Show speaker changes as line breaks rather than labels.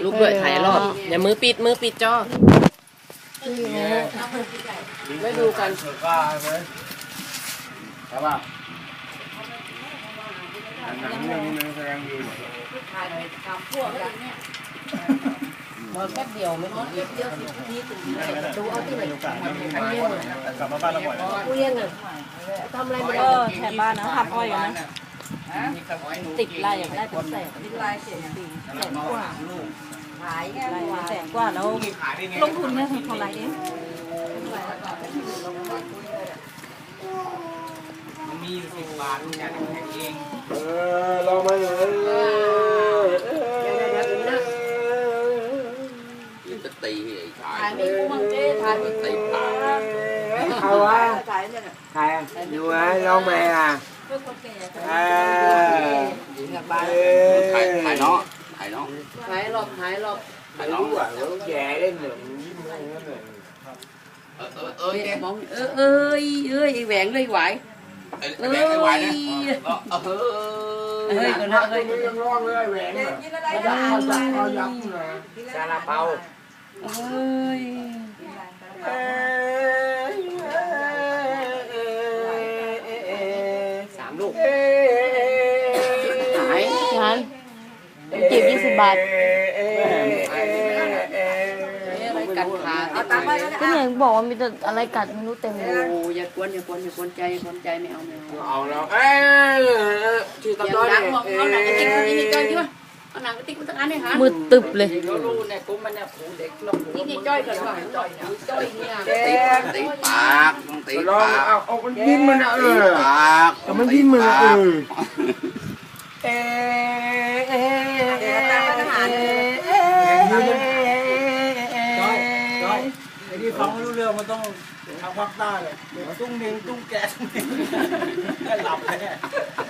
ลุกด้วยถ่ายรอบอย่ามือปิดจอไม่ดูกัน
ใช่ป่ะหนังเรื่องนี้แสดงดี
มาแค่เดียวไม่ถึงเดียวนี่ถึงดูเอาที่ไหน
กลับมาบ้านเราบ่อย
กูเรียนอ่ะทำอะไรไม่ได้
แถบบ้านนะทำอ้อยนะติดลายอย่างได้เป็นแสนติดลาย100,000 กว่าขายแค่100,000 กว่าแล้วลงทุนเนี่ยเท่าไหร่เอง
มันมีอยู่10 บาทมันจะแข่งเอง
ลองมาเลย
จะตีไอ้ชาย
ถ่ายไม่กูมั่งเจ้ถ่ายไม่ตีปาก
เอาวะถ่ายอยู่ไหมลองมาอ่ะ
ถ่ายเนาะ
ถ่ายรอบถ่าย
น้อง
อ่ะแล้วแย่เล่นหนึ่งยิ้มให้นั่นเลย
แกมองเอ้ยแหวงเลยไหว
แหวงไม่ไหวนะ
เฮ้ยคนละเฮ้ย
ยังร้องเลยแหวงซาลาเปา
เอ้ย3 ลูก
ขายฉันเก็บ20 บาท
กัดขา
ก็เนี่ยบอกว่ามีแต่อะไรกัดไม่รู้เต็มเลย
โอ้อย่ากวนใจไม่เอา
เอาแล้วที่ตะก้อน
เนี่ยเอาหนังกระติกมาที่นี่จ้อยที่วะเอาหนังกระติกมาตั้งอันเนี่ยฮะ
มืดตึบเลย
รู้เนี่ยกูมันเนี่ยผูเด็กนี่จ้อยกันว่ะจ้อยเนี่ย
ตีปากต้องตีปาก
เอามันยิ้มมันอ่ะ
ปาก
มันยิ้มมันอ่ะ
ไอ้ที่ฟังไม่รู้เรื่องมันต้องทางภาคใต้เลยตุ้งเนียงตุ้งแกตุ้งเนียงหลับเลย